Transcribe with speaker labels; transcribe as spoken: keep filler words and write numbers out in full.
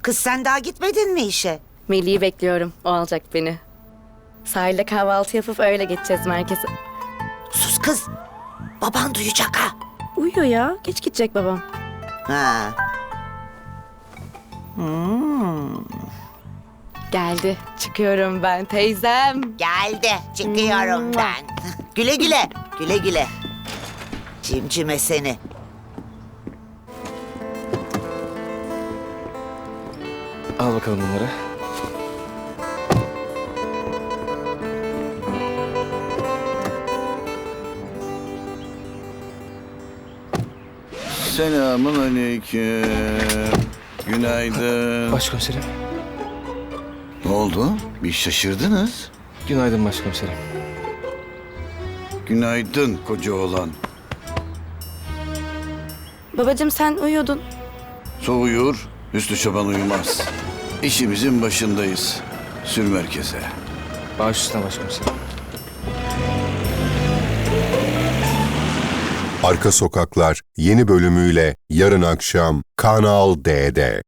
Speaker 1: Kız sen daha gitmedin mi işe?
Speaker 2: Melih'i bekliyorum. O alacak beni. Sahilde kahvaltı yapıp öyle geçeceğiz merkeze.
Speaker 1: Sus kız. Baban duyacak ha.
Speaker 2: Uyuyor ya. Geç gidecek babam.
Speaker 1: Ha.
Speaker 2: Geldi. Çıkıyorum ben teyzem.
Speaker 1: Geldi. Çıkıyorum ben. Güle güle. Güle güle. Cimcime seni.
Speaker 3: Al bakalım bunları.
Speaker 4: Selamun aleyküm. Günaydın.
Speaker 3: Başkomiserim.
Speaker 4: Ne oldu? Bir şaşırdınız.
Speaker 3: Günaydın başkomiserim.
Speaker 4: Günaydın koca oğlan.
Speaker 2: Babacığım sen uyuyordun.
Speaker 4: Soğuyur, Hüsnü Çoban uyumaz. İşimizin başındayız. Sür merkeze.
Speaker 3: Baş üstüne başkomiserim.
Speaker 5: Arka Sokaklar yeni bölümüyle yarın akşam Kanal D'de.